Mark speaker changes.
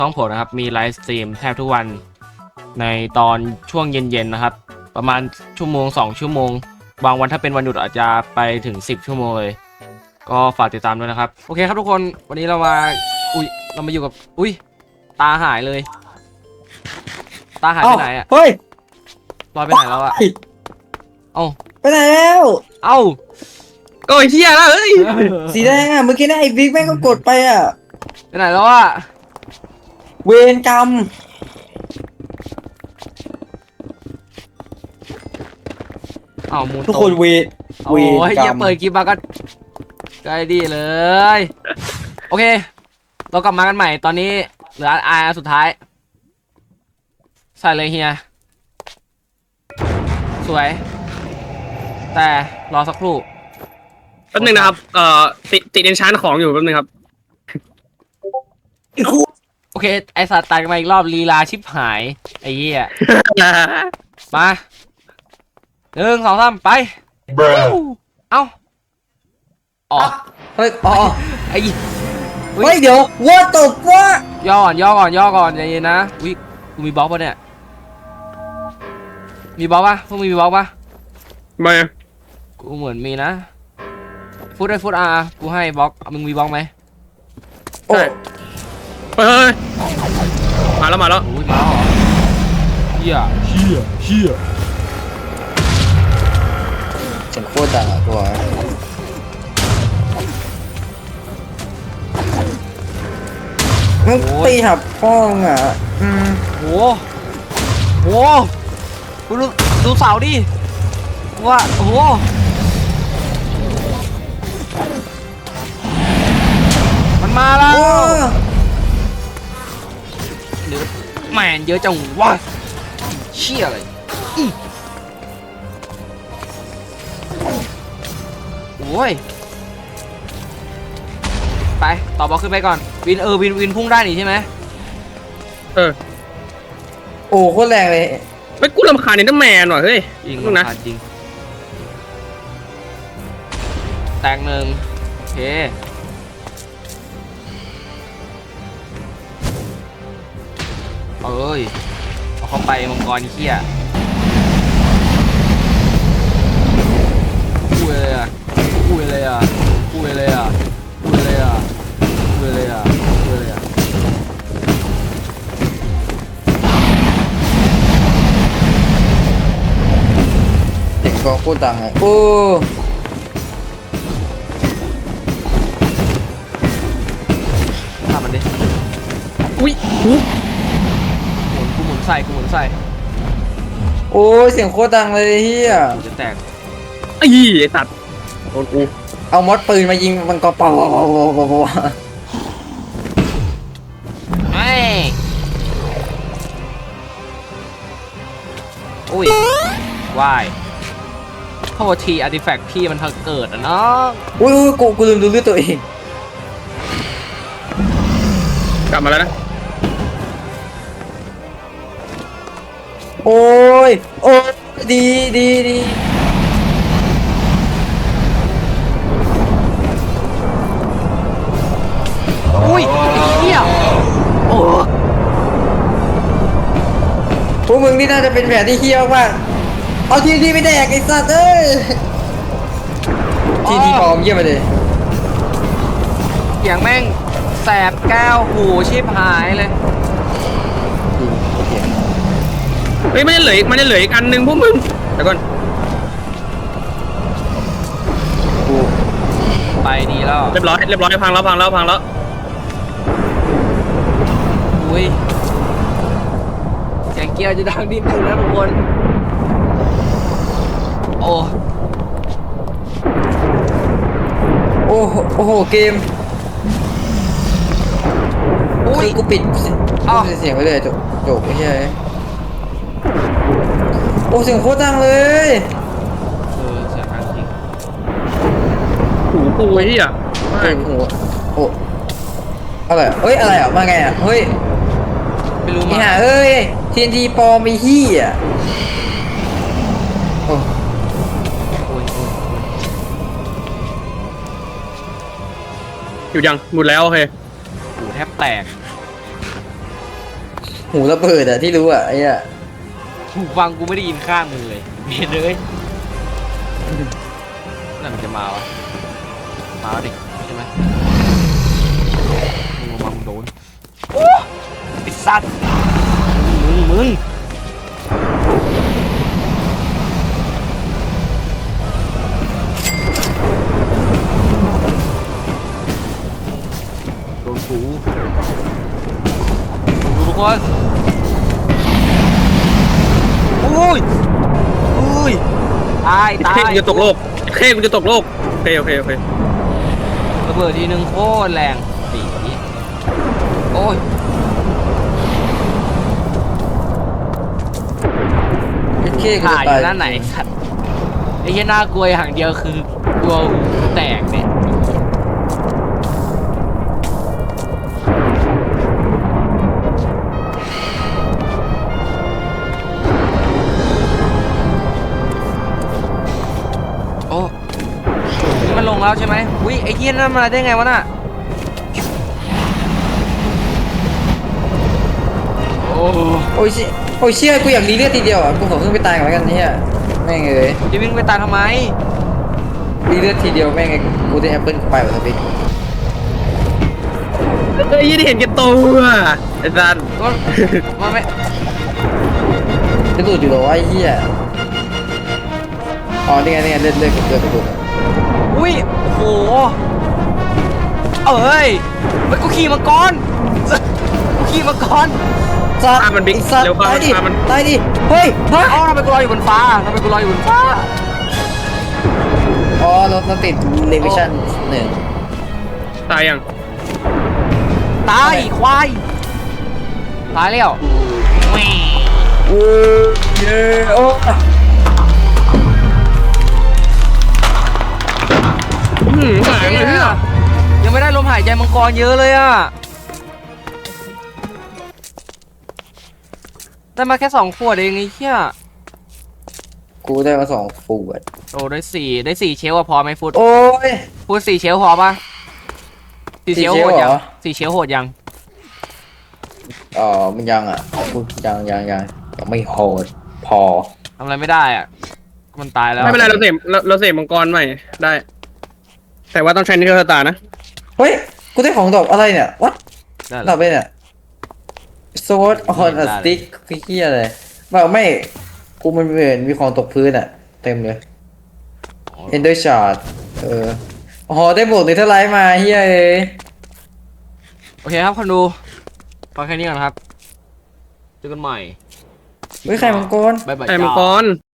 Speaker 1: ช่องผมนะครับมีไลฟ์สตรีมแทบทุกวันในตอนช่วงเย็นๆนะครับประมาณชั่วโมง2ชั่วโมงบางวันถ้าเป็นวันหยุดอาจจะไปถึง10ชั่วโมงเลยก็ฝากติดตามด้วยนะครับโอเคครับทุกคนวันนี้เรามาอยู่กับตาหายเลยตาหายไปไหนอ่ะ
Speaker 2: เฮ้ย
Speaker 1: ลอยไปไหนแล้วอ่ะเอ้า
Speaker 2: ไปไหนแล้ว
Speaker 1: เอ้า
Speaker 3: ก็เฮียแล้วเฮ้ย
Speaker 2: สีแดงอ่ะเมื่อกี้นะไอ้บิ๊กแม่งก็กดไปอ่ะ
Speaker 1: ไปไหนแล้วอ่ะ
Speaker 2: เวรกรรม
Speaker 1: เอ้ามูน
Speaker 2: ทุกคนเวร
Speaker 1: โอ้ยอย่าเปิดคลิปมาก็ใกล้ดีเลยโอเคเรากลับมากันใหม่ตอนนี้เหลืออาร์สุดท้ายใส่เลยเฮียสวยแต่รอสักครู่
Speaker 3: แป๊บนึงนะครับติดเอนชานของอยู่แป๊บนึงครับ
Speaker 1: โอเคไอสัตว์ตายกันมาอีกรอบลีลาชิบหายไอ้เหี้ยมา1 2 3ไปเอ้าอ๋อ
Speaker 2: เฮ้ยอ๋อ
Speaker 1: ไอ้
Speaker 2: เฮ้ยเดี๋ยวว่าตบว่า
Speaker 1: ย่อก่อนใจเย็นนะอุ้ยกูมีบล็อกปะเนี่ยมีบล็อกปะพวกมึงมีบล็อกปะ
Speaker 3: มา
Speaker 1: กูเหมือนมีนะฟุตอาร์กูให้บล็อกมึงมีบล็อกไหม
Speaker 2: โอ้
Speaker 3: เฮ้ยมาแล้ว
Speaker 1: อุ้ยมาเหรอเฮีย
Speaker 2: เสียงโคตรดังอ่ะตัวมึงตีหับป้องอ่ะ
Speaker 1: โหกูดูเสาดิว่าโอ้โหมันมาแล้ว
Speaker 2: โอ้
Speaker 1: หรือแมนเยอะจังวะเชี่ยเลยโอ้ยไปต่อบอลขึ้นไปก่อนวินพุ่งได้นี่ใช่ไหม
Speaker 2: โอ้โคตรแรงเลย
Speaker 3: ไม่กูรำคาญเนเธอร์แมนหน่อยเฮ้ย
Speaker 1: ยิง
Speaker 3: นึงนะ
Speaker 1: จริงแตกหนึ่งโอเคเอ้ยเอาเข้าไปมังกรเขี้ยอุ้ยเลยอ่ะ
Speaker 2: เด็กก็โคตรดังอ่ะโอ้
Speaker 1: ทำมันดิ
Speaker 3: อุ้ย
Speaker 1: กูหมุนใส่
Speaker 2: โอ้ยเสียงโคตรดังเลยเฮีย
Speaker 1: กูจะแตก
Speaker 3: ไอ้สัตว์โดนกู
Speaker 2: เอามอสปืนมายิงมันก็เป่า
Speaker 1: ไอ้อุ้ย วายโทษทีอาร์ติแฟกต์พี่มันเพิ่งเกิดอะเนาะ
Speaker 2: อุ้ยกูลืมดูเลือดตัวเอง
Speaker 3: กลับมาแล้วนะ
Speaker 2: โอ้ยดี
Speaker 1: อุ้ยไอ้เหี้ยโอ้
Speaker 2: พวกมึงนี่น่าจะเป็นแผนที่เฮี้ยวมากเอาทีไปแดกไอ้สัตว์เอ้ยทีปลอมเยี่ยมไปเลย
Speaker 1: เสียงแม่งแสบแก้วหูชิบหายเลย
Speaker 3: เฮ้ยมันจะเหลืออีกอันนึงพวกมึงเดี๋ยวก่อน
Speaker 2: กู
Speaker 1: ไปดีแล้ว
Speaker 3: เรียบร้อยพังแล้ว
Speaker 1: อุ้ยเสียงเกียร์จะดังนิดนึงนะทุกคนโอ้
Speaker 2: โอ้โหเกม
Speaker 1: อุ้ย
Speaker 2: กูปิด
Speaker 1: อ้าว
Speaker 2: เสียงไปเลยจบไม่ใช่โอ้เสียงโคตรดังเลย
Speaker 1: เสียงดังจริง
Speaker 3: หูกูไอ้เหี้ย
Speaker 2: เฮ้ยหัวโอ้อะไรเอ้ยอะไรอ่ะมาไงอ่ะเฮ้ย
Speaker 1: ไม่รู้
Speaker 2: นี่
Speaker 1: มา
Speaker 2: ฮะเอ้ยทีปลอมไอ้เหี้ยโอ้
Speaker 1: โอ้ย
Speaker 3: อยู่ยังหมดแล้วโอเค
Speaker 1: หูแทบแตก
Speaker 2: หูระเบิดอะที่รู้อะไอ้อะ
Speaker 1: หูฟังกูไม่ได้ยินข้างมึงเลยเบียดเลยนั่นมันจะมาวะมาแล้วดิใช่ไหมมึงมามึงโดนโอ้ไอ้สัตว์มึงโดนกูดูทุกคนโอ้ยตาย
Speaker 3: เค้กูจะตกโลกเค้กูจะตกโลกโอเคโอเคโอเค
Speaker 1: ระเบิดทีนึงโคตรแรงปีโอ้ย
Speaker 2: ไอ้เค้
Speaker 1: ถ่ายอยู่ด้านไหนสัตว์ไอ้แค่น่ากลัวอย่างเดียวคือกลัวหูแตกเนี่ยโอ้นี่มันลงแล้วใช่ไหมอุ้ยไอ้เหี้ยนั่นมาได้ไงวะน่ะโอ้
Speaker 2: โอ้ยโอ้ยเชี่ยกูอยากรีเลือดทีเดียวอะกูขอขึ้นไปตายก่อนแล้วกันเนี่ยแม่งเอ้ย
Speaker 1: จะวิ่งไปตายทำไม
Speaker 2: รีเลือดทีเดียวแม่งไอ้กูได้แอปเปิลไปแบบสปิก
Speaker 3: เฮ้ยยี่ได้เห็นแกตัวไอ้สัน
Speaker 1: ก็มันไม่
Speaker 2: จะดูดอยู่เหรอวะไอ้เหี้ยอ๋อนี่ไงเลือดกับเลือดกระดูก
Speaker 1: อุ้ยโอ้โหเอ้ยกูขี่มังกรกูขี่มังกร
Speaker 2: สัตว์
Speaker 3: มันบิ๊ก
Speaker 2: ไอ้สัตว์
Speaker 3: เร็วเข้า
Speaker 2: ตายดิ
Speaker 3: มัน
Speaker 2: ตายดิเฮ้ยฮะ
Speaker 1: เอ้าทำไมกูลอยอยู่บนฟ้าทำไมกูลอยอยู่บนฟ้า
Speaker 2: อ๋อเราติดเลวิชั่นหนึ่ง
Speaker 3: ตายยัง
Speaker 1: ตายควายตายแล้วแหม่
Speaker 2: โอ้เยโอ้
Speaker 3: หายเลยเนี่ย
Speaker 1: ยังไม่ได้ลมหายใจมังกรเยอะเลยอ่ะได้มาแค่2 ขวดเองไอ้เหี้ย
Speaker 2: กูได้มา2 ขวด
Speaker 1: โอ้ได้สี่เชลอะพอไหมฟุต
Speaker 2: โอ้ย
Speaker 1: ฟุต4 เชลพอปะ4 เชล
Speaker 2: 4
Speaker 1: โหดยัง
Speaker 2: เหรอ
Speaker 1: 4 เชลโหดยัง
Speaker 2: อ๋อมันยังอ่ะกูยังไม่โหดพอ
Speaker 1: ทำอะไรไม่ได้อ่ะมันตายแล้ว
Speaker 3: ไม่เป็นไรเราเสพมังกรใหม่ได้ แต่ว่าต้องใช้นิเทอร์ตานะ
Speaker 2: เฮ้ยกูได้ของดอกอะไรเนี่ยวัด
Speaker 1: ได้
Speaker 2: ดอกไปเนี่ย sword on a stick คือเฮียอะไรแบบไม่กูมันเหมือนมีของตกพื้นอ่ะเต็มเลย ender shard อ๋อได้บวกในเทอร์ไลท์มาเฮียเอ้ย
Speaker 1: โอเคครับคนดูฟังแค่นี้ก่อนครับเจอกันใหม่
Speaker 2: เฮ้ยใครมังกร
Speaker 1: บ๊ายบาย
Speaker 3: ไอ้มัง
Speaker 1: จ้า
Speaker 3: กร